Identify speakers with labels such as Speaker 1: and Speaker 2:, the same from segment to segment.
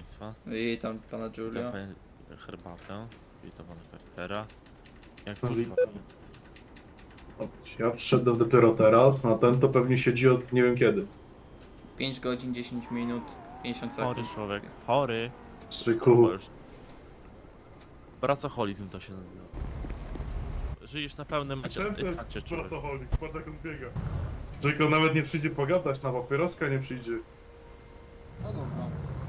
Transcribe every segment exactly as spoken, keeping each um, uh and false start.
Speaker 1: państwa.
Speaker 2: Witam pana
Speaker 1: Witam
Speaker 2: Giulio.
Speaker 1: panie herbatę. Witam pana Karaktera. Jak
Speaker 3: No,
Speaker 1: służba?
Speaker 3: Ja przyszedłem dopiero teraz, na ten to pewnie siedzi od nie wiem kiedy.
Speaker 2: pięć godzin, dziesięć minut, pięćdziesiąt
Speaker 1: Chory
Speaker 2: sekund.
Speaker 1: człowiek. Chory.
Speaker 3: Strzyku.
Speaker 1: Pracoholizm to się nazywa. Żyjesz na pełnym etacie, człowiek.
Speaker 3: Pracoholik, patrz jak on biega. Czego nawet nie przyjdzie pogadać, na papieroska nie przyjdzie.
Speaker 2: No dobra.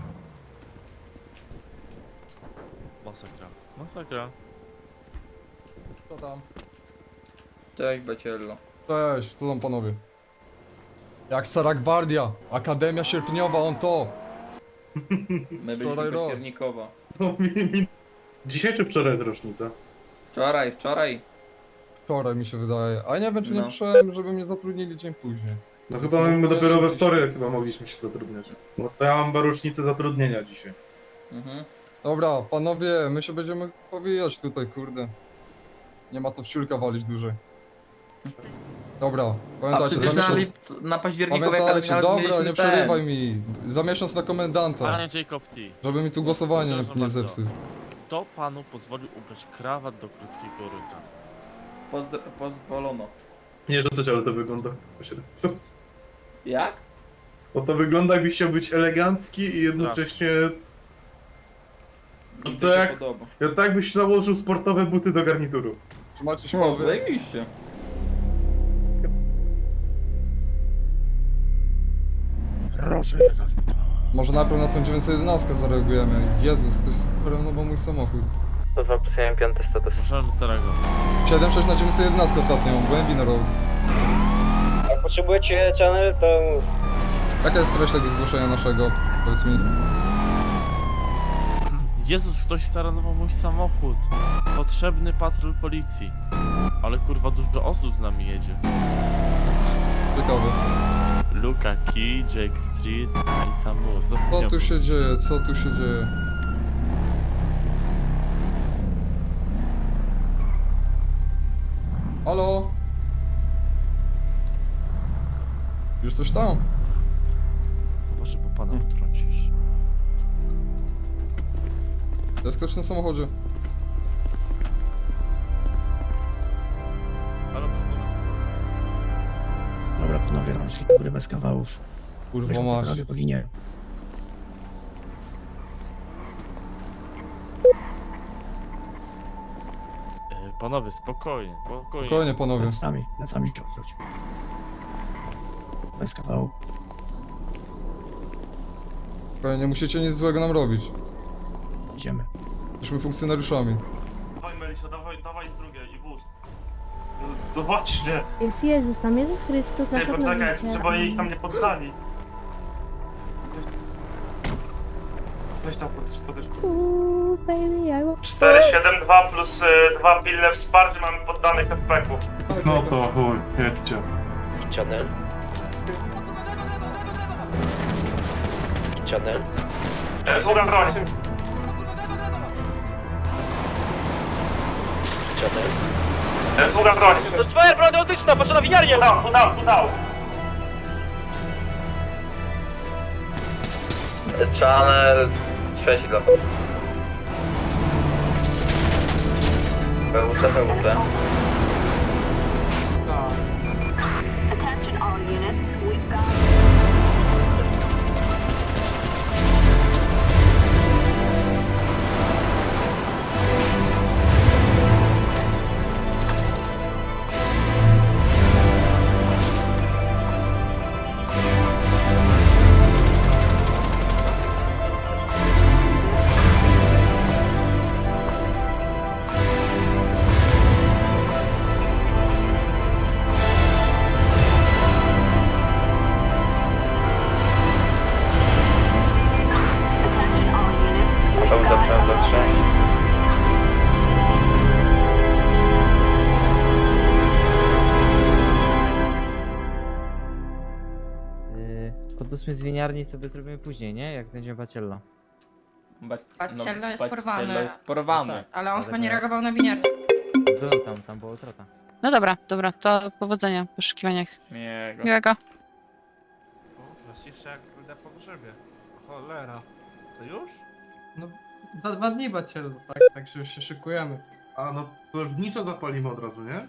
Speaker 1: Masakra. Masakra.
Speaker 4: Co tam?
Speaker 2: Cześć Baciello.
Speaker 4: Cześć, co tam panowie? Jak Stara Gwardia, Akademia Sierpniowa, on to!
Speaker 2: My byliśmy
Speaker 4: Wczoraj rok.
Speaker 2: październikowo.
Speaker 3: No, mi, mi... Dzisiaj czy wczoraj jest rocznica?
Speaker 2: Wczoraj, wczoraj.
Speaker 4: Wczoraj mi się wydaje, a nie wiem czy nie
Speaker 2: No.
Speaker 4: przyszedłem, żeby mnie zatrudnili dzień później.
Speaker 3: No
Speaker 4: Więc
Speaker 3: chyba my
Speaker 4: mogę
Speaker 3: dopiero we
Speaker 4: gdzieś-
Speaker 3: wtorek chyba mogliśmy się zatrudniać. No to ja mam rocznicę zatrudnienia dzisiaj.
Speaker 2: Mhm.
Speaker 4: Dobra, panowie, my się będziemy powijać tutaj, kurde. Nie ma co w ciulka walić dłużej. Dobra,
Speaker 2: A
Speaker 4: pamiętajcie, za
Speaker 2: przecież na,
Speaker 4: miesiąc...
Speaker 2: lip- na październikowej
Speaker 4: Pamiętajcie,
Speaker 2: nawet
Speaker 4: dobra,
Speaker 2: mieliśmy
Speaker 4: nie
Speaker 2: ten.
Speaker 4: przerywaj mi. Za miesiąc na komendanta,
Speaker 1: Panie Jacob T.
Speaker 4: żeby mi tu głosowanie nie,
Speaker 1: Przepraszam
Speaker 4: nie
Speaker 1: bardzo.
Speaker 4: zepsuł.
Speaker 1: Kto panu pozwolił ubrać krawat do krótkiego rękawa?
Speaker 2: Pozdr- pozwolono.
Speaker 3: Nie rzucać, ale to wygląda...
Speaker 2: Jak?
Speaker 3: Bo to wygląda jakbyś chciał być elegancki i jednocześnie...
Speaker 2: Mi
Speaker 3: No
Speaker 2: to
Speaker 3: to
Speaker 2: się
Speaker 3: jak-
Speaker 2: podoba.
Speaker 3: Ja tak byś założył sportowe buty do garnituru.
Speaker 4: Trzymajcie się,
Speaker 2: O,
Speaker 4: panowie.
Speaker 2: zajebiście.
Speaker 1: Proszę,
Speaker 4: Może najpierw na tą dziewięćset jedenaście zareagujemy. Jezus, ktoś sprenował mój samochód.
Speaker 5: To dwa plus jeden, piąty status.
Speaker 1: Możemy starego.
Speaker 4: siedem sześć na dziewięćset jedenaście ostatnio, głębi na road.
Speaker 5: Jak potrzebujecie channel, to mów.
Speaker 4: Jaka jest treść tego zgłoszenia naszego? Powiedz mi.
Speaker 1: Jezus, ktoś staranował mój samochód. Potrzebny patrol policji. Ale kurwa dużo osób z nami jedzie.
Speaker 4: Ciekawe.
Speaker 1: Luka Key, Jake Street i Samu.
Speaker 4: Co tu się dzieje? Co tu się dzieje? Halo? Już coś tam?
Speaker 1: Może po pana
Speaker 4: Hmm.
Speaker 1: potrącisz.
Speaker 4: Jest ktoś w tym samochodzie?
Speaker 1: Halo, przypomnę.
Speaker 6: Dobra, panowie, rączki do góry bez kawałów.
Speaker 4: Kurwa
Speaker 6: Weźmy
Speaker 4: masz.
Speaker 6: prawie poginie.
Speaker 1: E, panowie, spokojnie, spokojnie.
Speaker 4: Spokojnie panowie.
Speaker 6: Plecami, plecami się odwróć. Bez kawału.
Speaker 4: Spokojnie, nie musicie nic złego nam robić.
Speaker 6: Idziemy.
Speaker 4: Jesteśmy funkcjonariuszami.
Speaker 7: Dawaj Melisa, dawaj, dawaj z drugiej i boost. No, to właśnie.
Speaker 8: Jest Jezus, tam Jezus Chrystus,
Speaker 7: Ty,
Speaker 8: nasz
Speaker 7: poczekaj,
Speaker 8: Odnowiciel.
Speaker 7: trzeba ich tam nie poddali. Weź, weź tam podejść, podejść.
Speaker 8: Ooh, baby, I will...
Speaker 7: cztery siedem dwa plus dwa pilne wsparcie mamy poddanych F P ku.
Speaker 3: No to chuj, jedźcie.
Speaker 5: Channel. Channel.
Speaker 7: Sługa broń.
Speaker 5: Channel.
Speaker 7: Sługa broń.
Speaker 5: To jest twoja broń autyczna, patrz na winiarnię!
Speaker 7: Udał, udał, udał.
Speaker 5: Channel sześć dla was. P W C, P W C.
Speaker 8: Attention all units, we've got... Attention all units,
Speaker 5: P W C, P W C trzy.
Speaker 9: Pod ósmy z winiarni sobie zrobimy później, nie? Jak znajdziemy Baciello.
Speaker 2: Ba-
Speaker 10: Baciello jest
Speaker 2: Baciello
Speaker 10: porwany.
Speaker 2: jest porwany.
Speaker 10: Ale on
Speaker 9: Ale
Speaker 10: chyba nie
Speaker 9: to-
Speaker 10: reagował na winiarnię.
Speaker 9: Był tam, tam była utrata.
Speaker 10: No dobra, dobra, to powodzenia w poszukiwaniach.
Speaker 2: Miłego.
Speaker 10: Miłego.
Speaker 7: Zaciszę jak będę po grzebie. Cholera. To już?
Speaker 11: No, za dwa dni Bacielu, tak, także już się szykujemy.
Speaker 3: A no to już niczo zapalimy od razu, nie?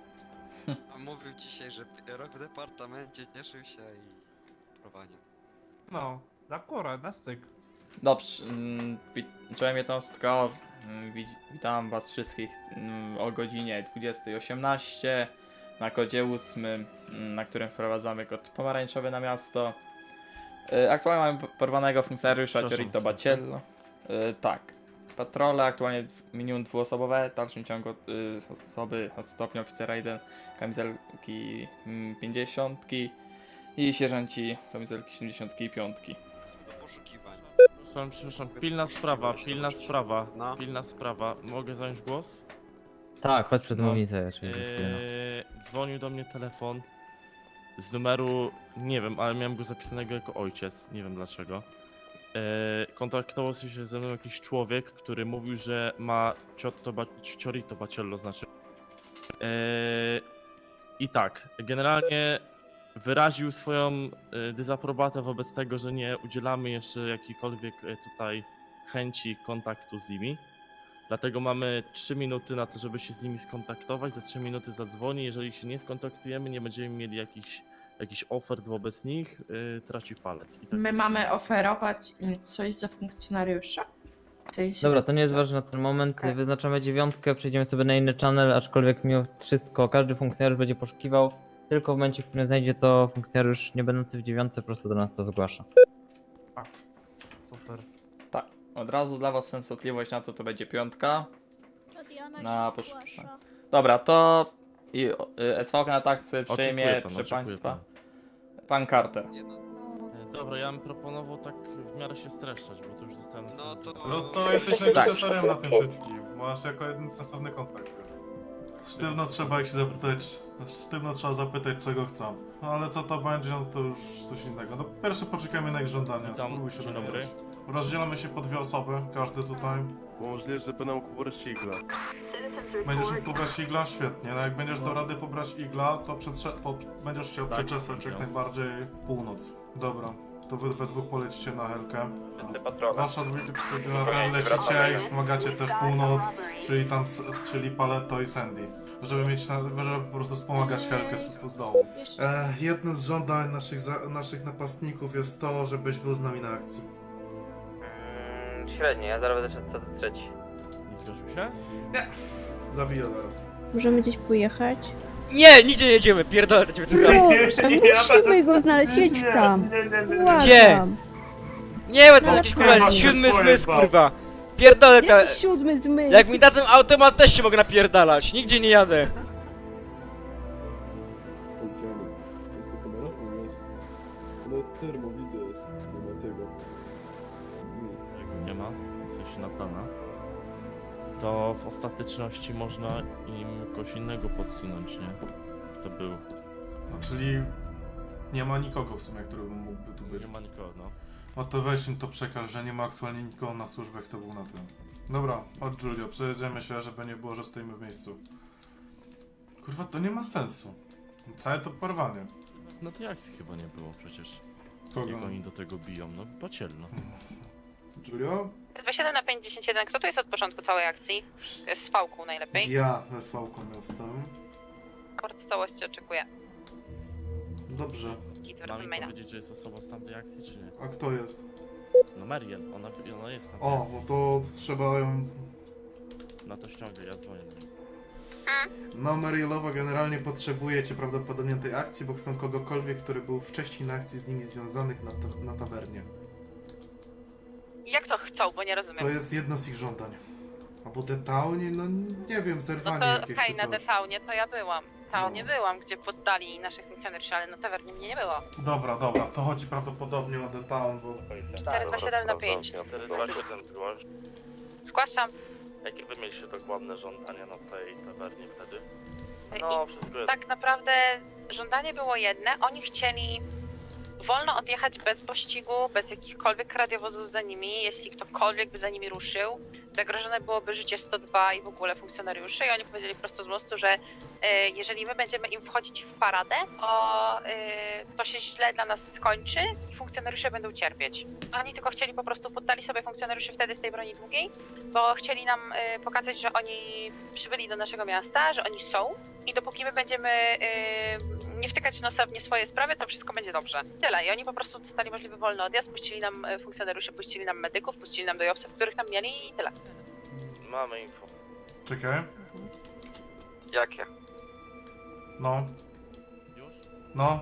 Speaker 12: A mówił dzisiaj, że rok w departamencie cieszył się i prowadzi.
Speaker 7: No, akurat, na styk.
Speaker 2: Dobrze, mm, wit- czołem jednostko, mm, wit- witam was wszystkich mm, o godzinie dwudziestej osiemnaście na kodzie ósmym, mm, na którym wprowadzamy kod pomarańczowy na miasto. Y, Aktualnie mamy p- porwanego funkcjonariusza
Speaker 1: Przepraszam,
Speaker 2: Ciorito
Speaker 1: słuchaj.
Speaker 2: Baciello. Y, Tak. Patrole aktualnie w- minimum dwuosobowe, w dalszym ciągu y, osoby od stopnia oficera jeden, kamizelki mm, pięćdziesiątki i sierżanci kamizelki siedemdziesiątki i piątki.
Speaker 12: Do poszukiwań.
Speaker 1: Przepraszam, przepraszam, pilna sprawa, pilna sprawa,
Speaker 12: No.
Speaker 1: pilna sprawa. Mogę zająć głos?
Speaker 9: Tak, chodź przed
Speaker 1: No.
Speaker 9: mównicę, oczywiście. spójno.
Speaker 1: Eee, dzwonił do mnie telefon z numeru, nie wiem, ale miałem go zapisanego jako ojciec, nie wiem dlaczego. Eee, kontaktował się ze mną jakiś człowiek, który mówił, że ma ciotto ba ciorito baciello, znaczy. Eee, I tak, generalnie wyraził swoją e, dezaprobatę wobec tego, że nie udzielamy jeszcze jakiejkolwiek e, tutaj chęci kontaktu z nimi. Dlatego mamy trzy minuty na to, żeby się z nimi skontaktować. Za trzy minuty zadzwoni. Jeżeli się nie skontaktujemy, nie będziemy mieli jakichś jakiś ofert wobec nich, yy, traci palec. I tak
Speaker 13: My
Speaker 1: zawsze.
Speaker 13: mamy oferować im coś za funkcjonariusza? W sensie-
Speaker 9: Dobra, to nie jest ważne na ten moment.
Speaker 13: Okej.
Speaker 9: Wyznaczamy dziewiątkę, przejdziemy sobie na inny channel, aczkolwiek mimo wszystko każdy funkcjonariusz będzie poszukiwał. Tylko w momencie, w którym znajdzie to funkcjonariusz nie będący w dziewiątce, po prostu do nas to zgłasza.
Speaker 1: Super.
Speaker 2: Tak, od razu dla was częstotliwość na to to będzie piątka. Na poszukiwanie. Dobra, to i y, S V K na tak sobie
Speaker 1: Oczekuję
Speaker 2: przejmie,
Speaker 1: pan,
Speaker 2: proszę
Speaker 1: oczekuję
Speaker 2: państwa.
Speaker 1: pan.
Speaker 2: Pan Carter.
Speaker 12: Jedno.
Speaker 1: E, Dobra, ja bym proponował tak w miarę się streszczać, bo to już zostałem
Speaker 12: No to...
Speaker 3: No to jesteś negocjatorem na tym wszystkim. Masz jako jeden sensowny kontakt. wiesz. Sztywno trzeba ich się zapytać, sztywno trzeba zapytać czego chcą. No ale co to będzie, no to już coś innego. No pierwsze poczekajmy na ich żądania,
Speaker 1: Witam,
Speaker 3: spróbuj się
Speaker 1: dzień dobry.
Speaker 3: dowiedzieć. Rozdzielamy się po dwie osoby, każdy tutaj.
Speaker 12: Możliwe, że będą kupować igla.
Speaker 3: Będziesz mógł pobrać igla? Świetnie. No jak będziesz do rady pobrać igla, to przetrze- po, będziesz chciał
Speaker 1: Tak,
Speaker 3: przeczesać jak
Speaker 1: widział.
Speaker 3: najbardziej północ. Dobra, to wy we dwóch polecicie na Helkę. Wasza dwójka na ten lecicie i pomagacie też północ, czyli tam, s- czyli Paletto i Sandy. Żeby mieć, na, żeby po prostu wspomagać Helkę z, z dołu. E, jednym z żądań naszych, za, naszych napastników jest to, żebyś był z nami na akcji.
Speaker 9: Średnio, ja zaraz będę szedł co do trzeci.
Speaker 1: Nie zgodził się?
Speaker 3: Zawiję zaraz.
Speaker 8: Możemy gdzieś pojechać?
Speaker 11: Nie, nigdzie nie jedziemy, pierdolę do ciebie
Speaker 8: Proszę, musimy go znaleźć, jedź tam.
Speaker 11: Gdzie? Nie, bo to
Speaker 8: No,
Speaker 11: jakiś
Speaker 8: kurwa,
Speaker 11: kurwa siódmy
Speaker 7: powiem
Speaker 11: zmysł,
Speaker 7: wam.
Speaker 11: kurwa. Pierdolę ta...
Speaker 8: Jaki siódmy zmysł?
Speaker 11: Jak mi dadzą automat, też się mogę napierdalać. Nigdzie nie jadę.
Speaker 12: Jest to kamera? Jest. Ale termowizja jest, nie ma tego.
Speaker 1: Jak nie ma, w sensie Natana, to w ostateczności można im kogoś innego podsunąć, nie? To był.
Speaker 3: No, czyli nie ma nikogo w sumie, który mógłby tu być.
Speaker 1: Nie ma nikogo, no.
Speaker 3: No to weź im to przekaż, że nie ma aktualnie nikogo na służbach, to był na tym. Dobra, chodź Julio, przejedziemy się, żeby nie było, że stoimy w miejscu. Kurwa, to nie ma sensu. Całe to porwanie.
Speaker 1: No tej akcji chyba nie było przecież.
Speaker 3: Kogo?
Speaker 1: Jak oni do tego biją, no Baciello.
Speaker 3: Julio?
Speaker 10: dwa siedem na pięćdziesiąt jeden, kto tu jest od początku całej akcji? Z V-ką najlepiej.
Speaker 3: Ja z V-ką jestem.
Speaker 10: Raport całości oczekuję.
Speaker 3: Dobrze.
Speaker 10: Kit
Speaker 1: Mam
Speaker 10: wracam
Speaker 1: mi
Speaker 10: maila.
Speaker 1: powiedzieć, że jest osobą z tamtej akcji, czy nie?
Speaker 3: A kto jest?
Speaker 1: No Mariel, ona, ona jest tam.
Speaker 3: O, no to trzeba ją...
Speaker 1: Na to ściągę, ja dzwonię do niej.
Speaker 3: No, Marielowa generalnie potrzebujecie prawdopodobnie tej akcji, bo chcą kogokolwiek, który był wcześniej na akcji z nimi związanych na, ta na tawernie.
Speaker 10: Jak to chcą, bo nie rozumiem.
Speaker 3: To jest jedno z ich żądań. Albo detaunie, no nie wiem,
Speaker 10: No
Speaker 3: zerwanie
Speaker 10: to
Speaker 3: jakieś
Speaker 10: hej,
Speaker 3: czy
Speaker 10: na
Speaker 3: coś.
Speaker 10: Detaunie to ja byłam. Tam nie
Speaker 3: No.
Speaker 10: byłam, gdzie poddali naszych funkcjonariuszy, ale na tawernie mnie nie było.
Speaker 3: Dobra, dobra, to chodzi prawdopodobnie o Detown, bo...
Speaker 10: cztery dwa siedem na pięć.
Speaker 1: zgłoś.
Speaker 10: Zgłaszam.
Speaker 1: Jakie wy mieliście dokładne żądania na tej tawernie wtedy?
Speaker 10: I
Speaker 1: No, wszystko jest.
Speaker 10: tak naprawdę żądanie było jedne. Oni chcieli wolno odjechać bez pościgu, bez jakichkolwiek radiowozów za nimi. Jeśli ktokolwiek by za nimi ruszył, zagrożone byłoby życie sto dwa i w ogóle funkcjonariuszy i oni powiedzieli prosto z mostu, że e, jeżeli my będziemy im wchodzić w paradę, to, e, to się źle dla nas skończy i funkcjonariusze będą cierpieć. Oni tylko chcieli po prostu, poddali sobie funkcjonariuszy wtedy z tej broni długiej, bo chcieli nam e, pokazać, że oni przybyli do naszego miasta, że oni są i dopóki my będziemy e, nie wtykać nosa w nie swoje sprawy, to wszystko będzie dobrze. Tyle. I oni po prostu dostali możliwy wolny odjazd, puścili nam e, funkcjonariuszy, puścili nam medyków, puścili nam dojowców, których tam mieli i tyle.
Speaker 1: Mamy info.
Speaker 3: Czekaj.
Speaker 12: Jakie?
Speaker 3: No,
Speaker 1: Już?
Speaker 3: no.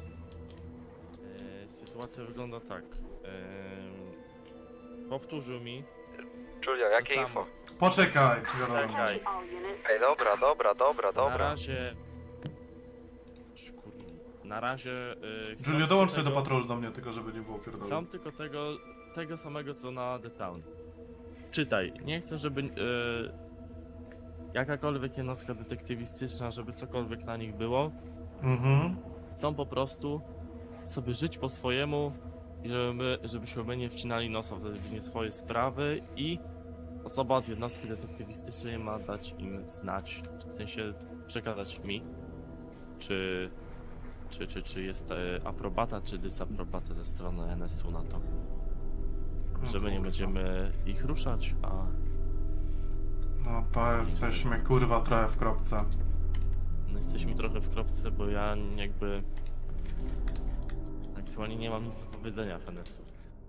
Speaker 1: E, sytuacja wygląda tak. E, powtórzył mi.
Speaker 12: Julia, jakie
Speaker 1: Samo.
Speaker 12: info?
Speaker 3: Poczekaj, wiadomo.
Speaker 1: Czekaj.
Speaker 8: All units.
Speaker 12: Ej, dobra, dobra, dobra,
Speaker 1: Na
Speaker 12: dobra.
Speaker 1: razie... Kurwa. Na razie... E, chcą
Speaker 3: Julio, dołącz
Speaker 1: tylko
Speaker 3: się do
Speaker 1: tego-
Speaker 3: patrolu do mnie, tylko żeby nie było pierdolę.
Speaker 1: Chcą tylko tego, tego samego co na The Town. Czytaj, nie chcę, żeby e, jakakolwiek jednostka detektywistyczna, żeby cokolwiek na nich było.
Speaker 3: Mhm.
Speaker 1: Chcą po prostu sobie żyć po swojemu i żeby my, żebyśmy my nie wcinali nosa w nie swoje sprawy i osoba z jednostki detektywistycznej ma dać im znać, w sensie przekazać mi, czy, czy, czy, czy jest e, aprobata, czy dysaprobata ze strony N S U na to. Że my nie będziemy ich ruszać, a
Speaker 3: No to jesteśmy kurwa trochę w kropce.
Speaker 1: no jesteśmy trochę w kropce, bo ja jakby aktualnie nie mam nic do powiedzenia w N S U.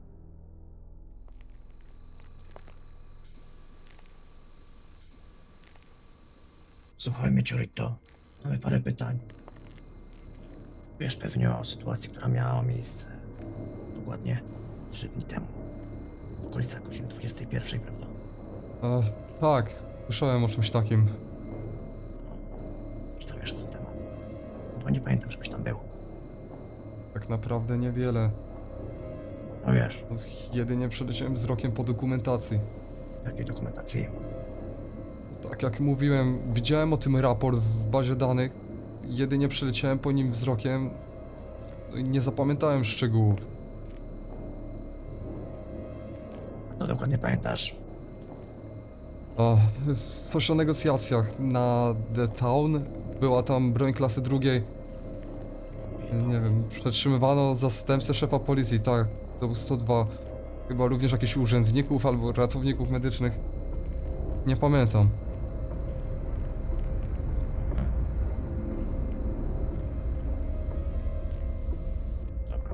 Speaker 6: Słuchaj mnie, Ciorito. Mamy parę pytań. Wiesz pewnie o sytuacji, która miała miejsce dokładnie trzy dni temu. W okolicach godziny dwudziestej pierwszej, prawda?
Speaker 4: E, tak, słyszałem o czymś takim.
Speaker 6: I co wiesz na ten temat? Bo nie pamiętam, żebyś tam był.
Speaker 4: Tak naprawdę niewiele.
Speaker 6: No wiesz,
Speaker 4: Jedynie przeleciałem wzrokiem po dokumentacji.
Speaker 6: jakiej dokumentacji?
Speaker 4: Tak jak mówiłem, widziałem o tym raport w bazie danych. Jedynie przeleciałem po nim wzrokiem. No i nie zapamiętałem szczegółów.
Speaker 6: To dokładnie pamiętasz.
Speaker 4: O, coś o negocjacjach na The Town. Była tam broń klasy drugiej. Nie wiem, przetrzymywano zastępcę szefa policji, tak. To był sto dwa. Chyba również jakichś urzędników albo ratowników medycznych. Nie pamiętam.
Speaker 6: Dobra.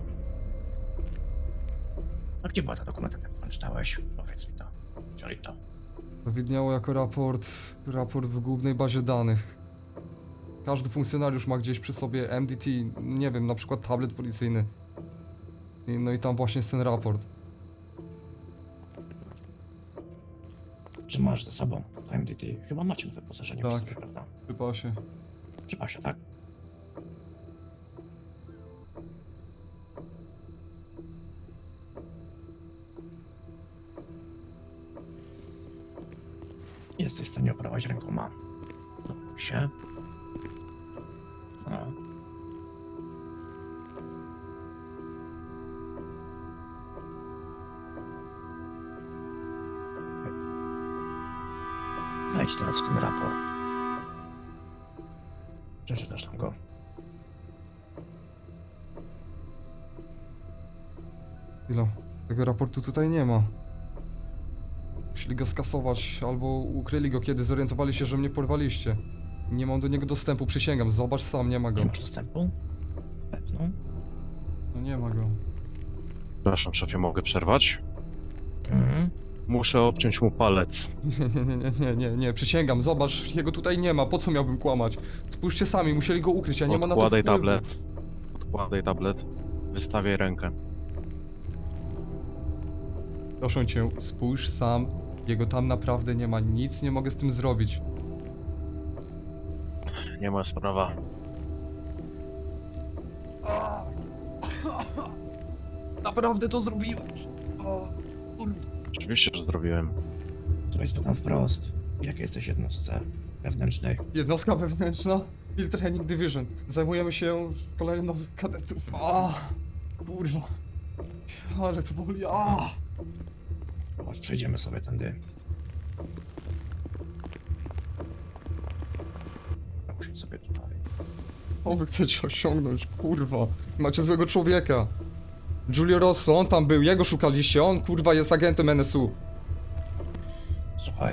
Speaker 6: A gdzie była ta dokumentacja, którą czytałeś? Powiedz mi to. Ciorito.
Speaker 4: To widniało jako raport, raport w głównej bazie danych. Każdy funkcjonariusz ma gdzieś przy sobie M D T, nie wiem, na przykład tablet policyjny. I, no i tam właśnie jest ten raport.
Speaker 6: Czy masz ze sobą to M D T? Chyba macie na wyposażeniu przy
Speaker 4: Tak.
Speaker 6: sobie, prawda?
Speaker 4: Chyba się.
Speaker 6: Przy pasie, tak? Jesteś w stanie operować rękoma. No, się. No. Zajdź teraz w ten raport. Przeczytasz nam go.
Speaker 4: Chwila, tego raportu tutaj nie ma. Musieli go skasować, albo ukryli go, kiedy zorientowali się, że mnie porwaliście. Nie mam do niego dostępu, przysięgam, zobacz sam, nie ma go.
Speaker 6: Nie masz dostępu? Pewno.
Speaker 4: No nie ma go.
Speaker 14: Przepraszam, szefie, mogę przerwać?
Speaker 6: Mhm.
Speaker 14: Muszę obciąć mu palec.
Speaker 4: Nie, nie, nie, nie, nie, nie, przysięgam, zobacz, jego tutaj nie ma, po co miałbym kłamać? Spójrzcie sami, musieli go ukryć, ja nie ma na to
Speaker 14: Odkładaj
Speaker 4: wpływu.
Speaker 14: tablet. Odkładaj tablet. Wystawiaj rękę.
Speaker 4: Proszę cię, spójrz sam, jego tam naprawdę nie ma, nic nie mogę z tym zrobić.
Speaker 14: Nie ma sprawa.
Speaker 4: Naprawdę to zrobiłeś.
Speaker 14: Oczywiście, że zrobiłem.
Speaker 6: To jest pytam wprost. Jakie jesteś jednostce wewnętrznej?
Speaker 4: Jednostka wewnętrzna, Field Training Division. Zajmujemy się szkoleniem nowych kadetów. A, kurwa. Ale to boli, a.
Speaker 6: Chodź, przejdziemy sobie tędy. Siedź sobie tutaj.
Speaker 4: O, wy chcecie osiągnąć, kurwa. Macie złego człowieka. Giulio Rosso, on tam był, jego szukaliście, on kurwa jest agentem N S U.
Speaker 6: Słuchaj.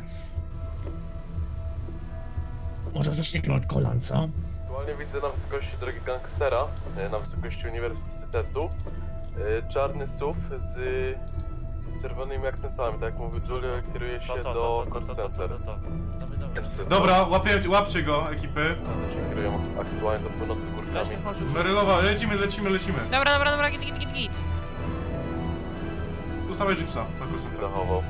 Speaker 6: Może zacznijmy od kolan, co?
Speaker 15: Aktualnie widzę na wysokości drogi gangstera, e, na wysokości uniwersytetu, e, czarny S U V z czerwonymi akcentami, tak jak mówił Giulio, kieruje się do call center.
Speaker 3: Dobra, łapię, łapcie go, ekipy.
Speaker 15: Kierują aktualnie do północy z górkami.
Speaker 3: Merylowa, lecimy, lecimy, lecimy.
Speaker 10: Dobra, dobra, dobra, git, git, git, git.
Speaker 3: Ustawiaj jeepsa na call center.
Speaker 15: Zachował.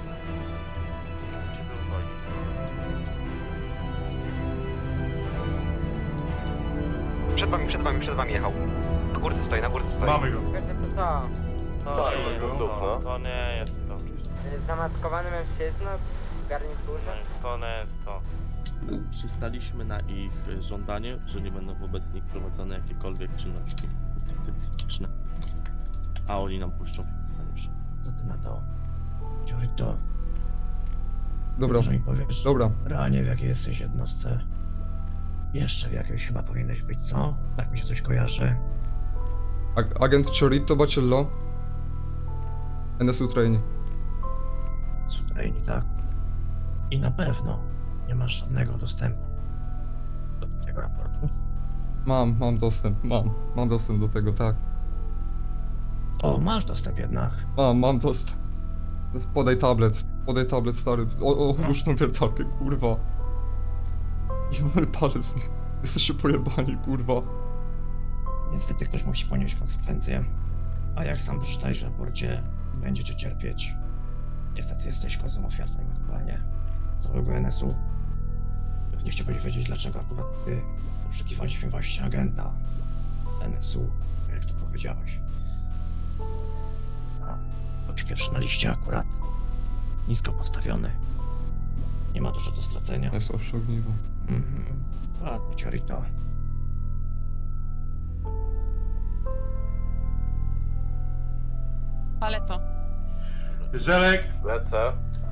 Speaker 5: Przed wami, przed wami, przed wami jechał. Na górce stoi, na górce stoi.
Speaker 3: Mamy go.
Speaker 9: Co?
Speaker 1: To,
Speaker 15: Tak,
Speaker 1: nie,
Speaker 15: no,
Speaker 1: jest
Speaker 15: no.
Speaker 1: to, to nie jest to oczywiście.
Speaker 9: Zamaskowany mężczyzna w garniturze?
Speaker 1: To nie jest to. Przystaliśmy na ich y, żądanie, że nie będą wobec nich prowadzone jakiekolwiek czynności aktywistyczne. A oni nam puszczą funkcjonariuszy.
Speaker 6: Co ty na to? Giorito,
Speaker 4: Dobra,
Speaker 6: może mi powiesz,
Speaker 4: dobra.
Speaker 6: realnie w jakiej jesteś jednostce? Jeszcze w jakiejś chyba powinieneś być, co? Tak mi się coś kojarzy.
Speaker 4: Ag agent Chorito Bacello. N S U trainee.
Speaker 6: Sutrejni, tak? I na pewno nie masz żadnego dostępu do tego raportu.
Speaker 4: Mam, mam dostęp, mam. Mam dostęp do tego, tak.
Speaker 6: O, masz dostęp jednak.
Speaker 4: Mam, mam dostęp. Podaj tablet, podaj tablet, stary. O, o, odłóż tą wiertarkę, kurwa. Jebany palec. Jesteście pojebani, kurwa.
Speaker 6: Niestety ktoś musi ponieść konsekwencje. A jak sam przeczytałeś w raporcie, będziecie cierpieć. Niestety jesteś kozłem ofiarnym aktualnie całego N S U. Pewnie chciałbyś wiedzieć, dlaczego akurat ty poszukiwaliśmy właśnie agenta N S U, jak to powiedziałeś. A ktoś pierwszy na liście akurat. Nisko postawiony. Nie ma dużo do stracenia.
Speaker 4: Najsłabsze ogniwo.
Speaker 6: Mhm. Ładnie, Ciorito.
Speaker 10: Paleto.
Speaker 3: Żelek,
Speaker 15: Lecę.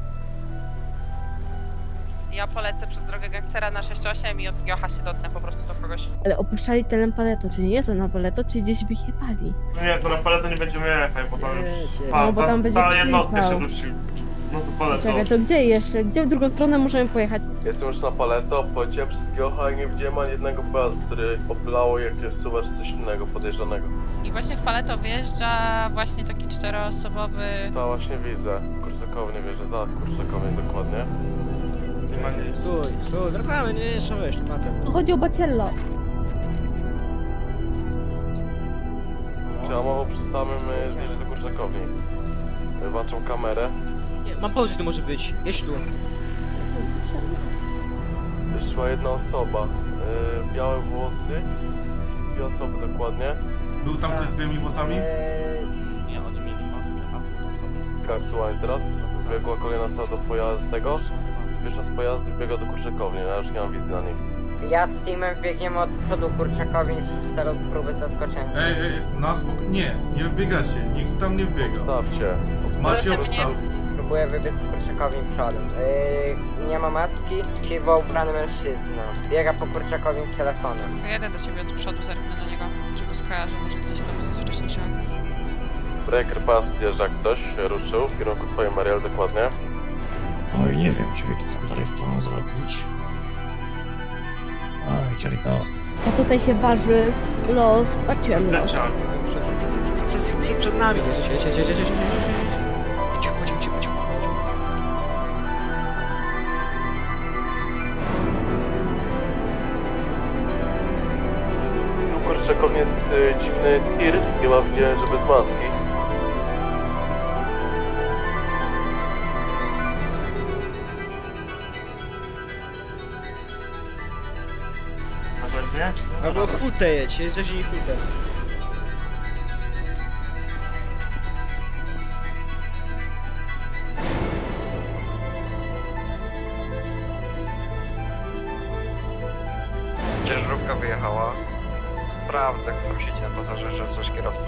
Speaker 10: Ja polecę przez drogę gangstera na sześć osiem i od Jocha się dotnę po prostu do kogoś.
Speaker 13: Ale opuszczali teren paleto, czy nie jest to na paleto, czy gdzieś wyjechali?
Speaker 7: Nie, to na paletę nie będziemy jechać, bo tam już...
Speaker 13: No, bo tam będzie
Speaker 7: cała jednostka
Speaker 13: przypał.
Speaker 7: się dusi. No to paletą.
Speaker 13: Czekaj, to gdzie jeszcze? Gdzie w drugą stronę możemy pojechać?
Speaker 15: Jestem już na paleto, poleciałem przez Giocha i nie widziałem ani jednego pojazdu, który opylało jakiegoś suwa czy coś innego podejrzanego.
Speaker 10: I właśnie w Paleto wjeżdża właśnie taki czteroosobowy...
Speaker 15: To właśnie widzę. Kurczakownie wierzę, tak, kurczakownie dokładnie.
Speaker 7: Nie ma nic.
Speaker 5: Stój, stój, wracamy, nie, jeszcze wiesz, nie ma co.
Speaker 13: Chodzi o Baciello.
Speaker 15: Czy ja mało przy samym y, zbliżę do kurczakowni. Włączam kamerę.
Speaker 5: Nie, mam pomysł, to może być. Jedź tu.
Speaker 15: Jeszcze ma jedna osoba. Y, białe włosy. Dwie osoby dokładnie.
Speaker 3: był tam ktoś z białymi włosami?
Speaker 1: Nie, oni mieli maskę, a to sobie.
Speaker 15: Tak, słuchaj, teraz biegła kolejna osoba do pojazdu tego. Pierwsza z pojazdu biega do kurczakowni, ja już nie mam wizji na nich.
Speaker 9: Ja z teamem biegniemy od przodu Kurczakowi w celu próby zaskoczenia.
Speaker 3: Ej, ej, na spoko... Nie, nie wbiegacie, nikt tam nie wbiega.
Speaker 15: Stawcie.
Speaker 3: Macie obstaw.
Speaker 9: Próbuję wybiec Kurczakowi przodem. Yy, nie ma maski, siwo ubrany mężczyzna. Biega po Kurczakowi z telefonem.
Speaker 10: Pojadę do ciebie od przodu, zerknę na niego, czy go skojarzę, może gdzieś tam z wcześniejszej akcji.
Speaker 15: Breaker Pass jeżdża jak ktoś, ruszył w kierunku twojej Mariel dokładnie.
Speaker 6: Oj, nie wiem, Ciorito, co dalej z tą zrobić. Oj, Ciorito.
Speaker 13: A tutaj się waży los Baciello.
Speaker 7: Leciak.
Speaker 5: Przed, przed nami. Jedź, jedź, jedź, jedź, jedź, jedź. Cicho, cicho, cicho, cicho.
Speaker 15: Tu kurczakownie jest y, dziwny tir, chyba widziałem, że bez maski.
Speaker 7: Porządnie?
Speaker 5: Albo hutę jedź, jedź, jedź i hutę.
Speaker 12: Ciężarówka wyjechała. Sprawdzę, kto tam siedzi na pasażerze, coś kierowcy.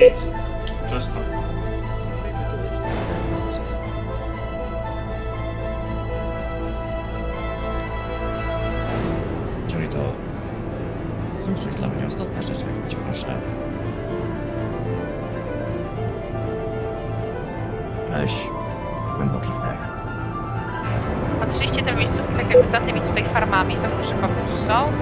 Speaker 7: Nic. Czysto.
Speaker 6: Czyli to... Zrób coś dla mnie, ostatnia rzecz, jak cię proszę. Weź głęboki wdech.
Speaker 10: Patrzyliście te miejscówki tak jak za tymi tutaj farmami, tam proszę kogoś są.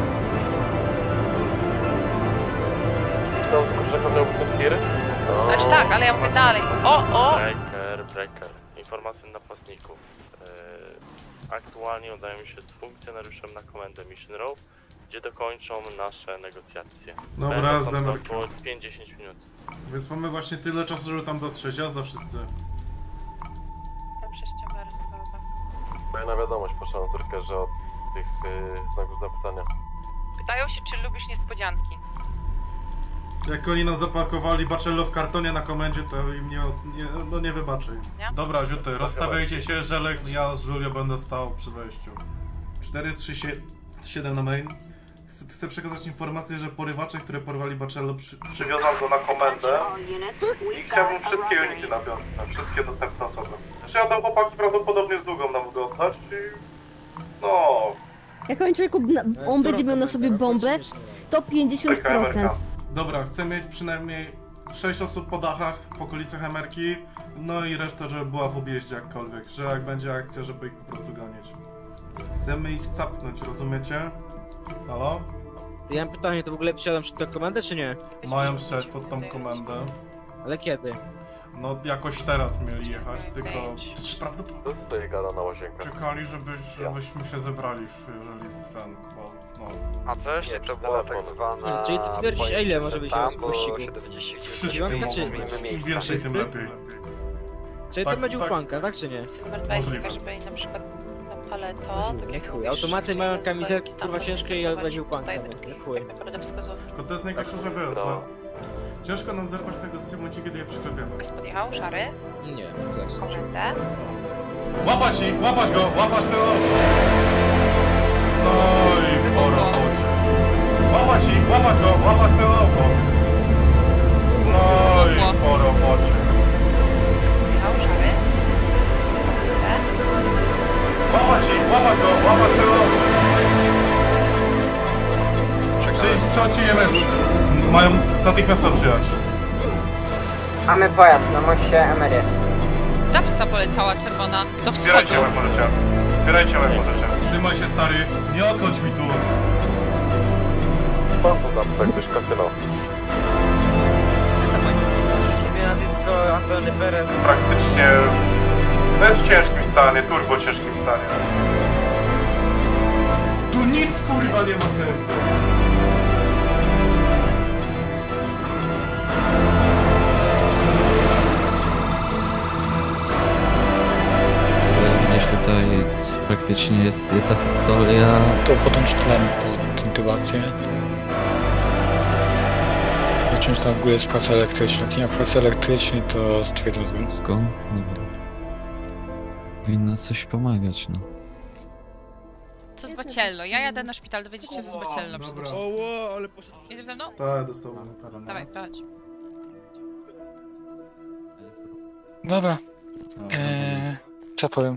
Speaker 15: Tam rzeka miał być tiry?
Speaker 10: Znaczy tak, ale ja mówię dalej. O, o!
Speaker 1: Breaker, breaker. Informacje napastników. Yy, aktualnie udają się z funkcjonariuszem na komendę Mission Row, gdzie dokończą nasze negocjacje.
Speaker 3: Dobra,
Speaker 1: Będą
Speaker 3: z
Speaker 1: tam za
Speaker 3: Demerkiem.
Speaker 1: około pięć do dziesięciu minut.
Speaker 3: Więc mamy właśnie tyle czasu, żeby tam dotrzeć. Jazda wszyscy.
Speaker 10: Tam sześciomery zupełnie.
Speaker 15: Fajna wiadomość, proszę córkę, że od tych y, znaków zapytania.
Speaker 10: Pytają się, czy lubisz niespodzianki.
Speaker 3: Jak oni nam zapakowali Bacello w kartonie na komendzie, to im nie, nie, no nie wybaczy.
Speaker 10: Nie?
Speaker 3: Dobra, Ziuty, rozstawiajcie się, Żelek, ja z Julio będę stał przy wejściu. cztery trzy siedem na main. Chcę, chcę przekazać informację, że porywacze, które porwali Bacello, przy, przywiozą go na komendę i chciałbym wszystkie unity na piątce, wszystkie dostępne osoby. Przyjadą chłopaki prawdopodobnie z długą nam go oddać i... no...
Speaker 16: Jak on człowieku, na- on będzie miał na sobie bombę sto pięćdziesiąt procent.
Speaker 3: Dobra, chcę mieć przynajmniej sześć osób po dachach w okolicach Emerki, no i reszta, żeby była w objeździe jakkolwiek, że jak będzie akcja, żeby ich po prostu ganiać. Chcemy ich capnąć, rozumiecie? Halo?
Speaker 5: Ja mam pytanie, to w ogóle przyjadam przed tą komendę, czy nie?
Speaker 3: Mają sześć pod tą komendę.
Speaker 5: Ale kiedy?
Speaker 3: No jakoś teraz mieli jechać, tylko... Czy prawdopodobnie
Speaker 15: To stoi gada na łazienkach.
Speaker 3: czekali, żeby, żebyśmy się zebrali, jeżeli ten, bo no...
Speaker 12: A wcześniej to była tak zwana...
Speaker 5: Czyli ty twierdzisz, a ile może być
Speaker 12: tam
Speaker 5: w
Speaker 12: było
Speaker 5: pościgu?
Speaker 12: siedemdziesiąt
Speaker 3: Wszyscy
Speaker 5: Dziewiątka
Speaker 3: mogą
Speaker 5: czy-
Speaker 3: być, im
Speaker 12: miejsca.
Speaker 3: więcej tym
Speaker 5: Wszyscy?
Speaker 3: lepiej.
Speaker 5: Czyli
Speaker 3: Tak,
Speaker 5: to będzie
Speaker 3: tak.
Speaker 5: ukłanka, tak czy nie?
Speaker 10: Numer dwa jest
Speaker 3: Możliwe.
Speaker 10: taka, żeby na przykład na paleto, tak
Speaker 5: Nie
Speaker 10: jak
Speaker 5: chuj,
Speaker 10: mówisz,
Speaker 5: automaty
Speaker 10: czyli
Speaker 5: mają
Speaker 10: na
Speaker 5: kamizelki,
Speaker 10: tam
Speaker 5: kurwa,
Speaker 10: będą
Speaker 5: ciężkie i
Speaker 10: stosowani
Speaker 5: będzie ukłanka,
Speaker 10: tutaj
Speaker 5: nie
Speaker 10: takich,
Speaker 5: chuj.
Speaker 10: tak naprawdę wskazówki.
Speaker 3: Tylko to jest najgorsze, że wiesz, że... Ciężko nam zerwać negocjacje w momencie, kiedy je przyklepiamy.
Speaker 10: Ktoś podjechał, szary,
Speaker 5: Nie, to jak
Speaker 10: komendę.
Speaker 3: Łapać ich, łapać go, łapać tego! No i po robocie. Łapać ich, łapać go, łapać tego auto. No i po robocie.
Speaker 10: Podjechał, szary, komendę.
Speaker 3: Łapać ich, łapać go, łapać tego auto. Przyjdź, przechodźcie M S. Mają natychmiast to przyjechać.
Speaker 9: Mamy pojazd na moście Emery.
Speaker 10: Dapsta poleciała czerwona do
Speaker 3: Zbierajcie łeb możecie. Zbierajcie łeb możecie. Trzymaj się stary, nie odchodź mi tu.
Speaker 15: Po co tam tak też kasyno?
Speaker 3: Praktycznie bez ciężkim stanie, turbo ciężkim stanie. Tu nic kurwa nie ma sensu.
Speaker 17: Gdzieś tutaj praktycznie jest, jest ta historia.
Speaker 18: To podłącz tlen pod intubację. Zacząć tam w górę z pracy elektrycznej. Jak nie ma pracy elektrycznej, to stwierdzam zgon.
Speaker 17: Skąd? Dobra. Powinno coś pomagać, no.
Speaker 10: Co z Bacello? Ja jadę na szpital, dowiedzieć się co z Bacello przede
Speaker 3: Dobra.
Speaker 10: wszystkim.
Speaker 5: O, ale poszedł.
Speaker 10: Jedziesz ze mną?
Speaker 3: Tak, dostałem.
Speaker 10: Dawaj, chodź.
Speaker 18: Dobra. Eee, co powiem?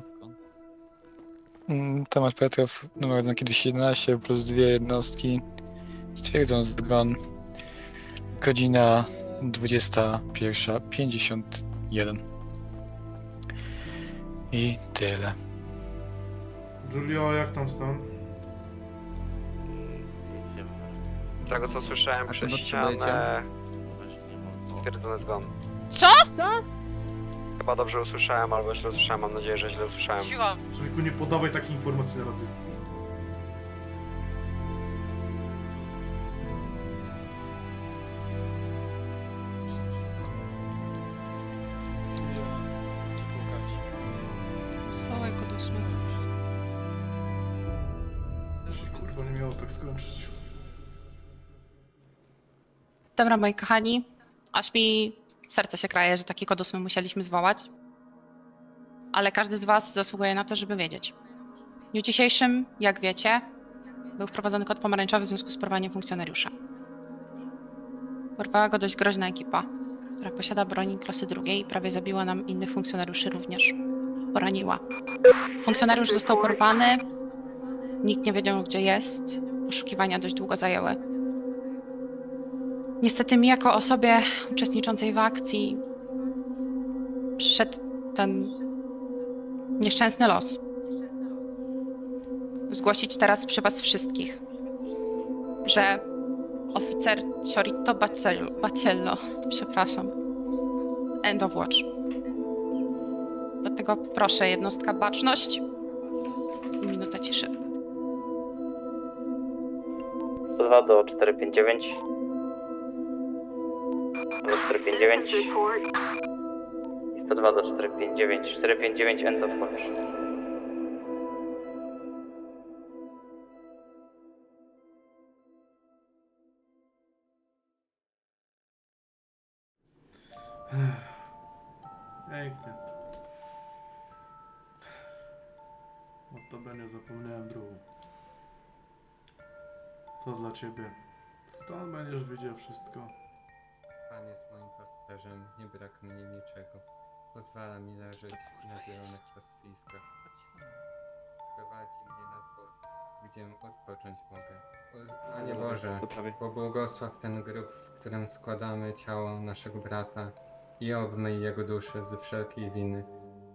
Speaker 18: Mm, Temat Petrów, numer odznaki dwieście jedenaście plus dwie jednostki. Stwierdzam zgon. Godzina dwudziesta pierwsza pięćdziesiąt jeden. I tyle.
Speaker 3: Julio, jak tam stan?
Speaker 1: Nic nie wiem.
Speaker 12: Z tego co słyszałem
Speaker 17: A
Speaker 12: przez
Speaker 17: co potrzebujecie?
Speaker 12: ścianę,
Speaker 1: Weź nie ma.
Speaker 12: stwierdzony zgon.
Speaker 10: Co?
Speaker 12: Chyba dobrze usłyszałem, albo źle usłyszałem, mam nadzieję, że źle usłyszałem.
Speaker 10: Cicho.
Speaker 3: Człowieku, nie podawaj takich informacji na radiu.
Speaker 10: Zwołaj go do ósmego.
Speaker 3: To się kurwa nie miało tak skończyć.
Speaker 10: Dobra, moi kochani, aż mi serce się kraje, że taki kod ósmy musieliśmy zwołać. Ale każdy z was zasługuje na to, żeby wiedzieć. W dniu dzisiejszym, jak wiecie, był wprowadzony kod pomarańczowy w związku z porwaniem funkcjonariusza. Porwała go dość groźna ekipa.
Speaker 19: która posiada broń klasy drugiej i prawie zabiła nam innych funkcjonariuszy również. Poraniła. Funkcjonariusz został porwany, nikt nie wiedział, gdzie jest. Poszukiwania dość długo zajęły. Niestety mi jako osobie uczestniczącej w akcji przyszedł ten nieszczęsny los. Zgłosić teraz przy was wszystkich, że oficer Ciorito Baciello, przepraszam, End of Watch. Dlatego proszę, jednostka baczność i minuta ciszy.
Speaker 9: sto dwa do cztery pięć dziewięć. Do cztery pięć dziewięć. I sto dwa do cztery pięć dziewięć. cztery pięć dziewięć End of Watch.
Speaker 3: Pięknie. Notabene zapomniałem drugą. To dla ciebie. Stąd będziesz widział wszystko.
Speaker 20: Pan jest moim pasterzem, nie brak mnie niczego. Pozwala mi leżeć na zielonych pastwiskach. Prowadzi mnie na dwór, gdzie odpocząć mogę. O, Panie Boże, pobłogosław ten grób, w którym składamy ciało naszego brata i obmyj jego duszę ze wszelkiej winy.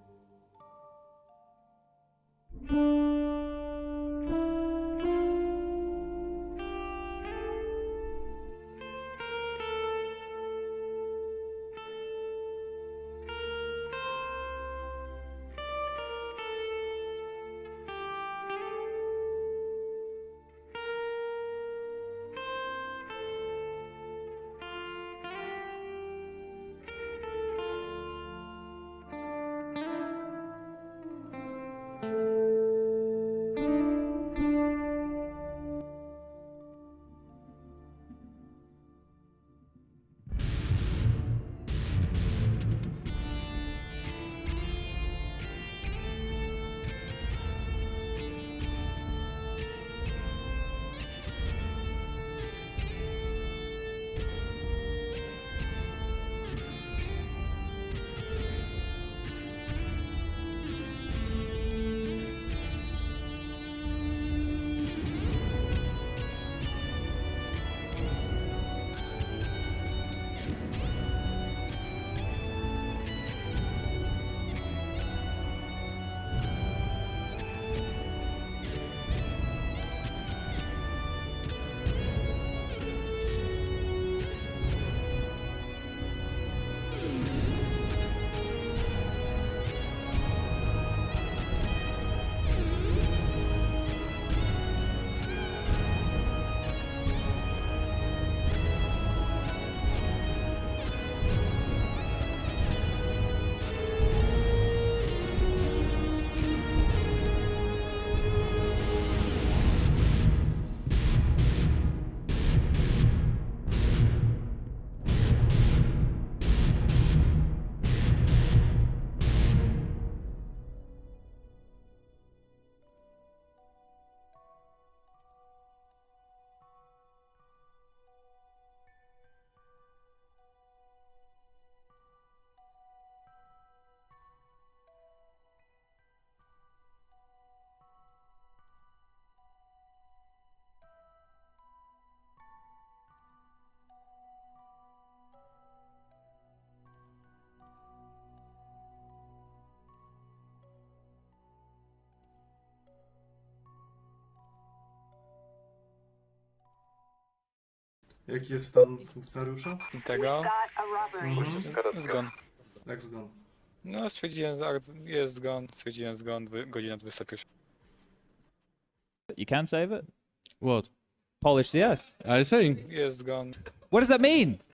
Speaker 3: Jaki jest stan funkcjonariusza?
Speaker 18: Tego?
Speaker 3: Mhm.
Speaker 18: Z- Zgon.
Speaker 3: Jak zgon?
Speaker 18: No, stwierdziłem, że jest zgon, stwierdziłem zgon, dwy- godzina dwudziesta pierwsza.
Speaker 21: You can't save it? What? Polish C S? I see.
Speaker 18: Jest zgon.
Speaker 21: What does that mean?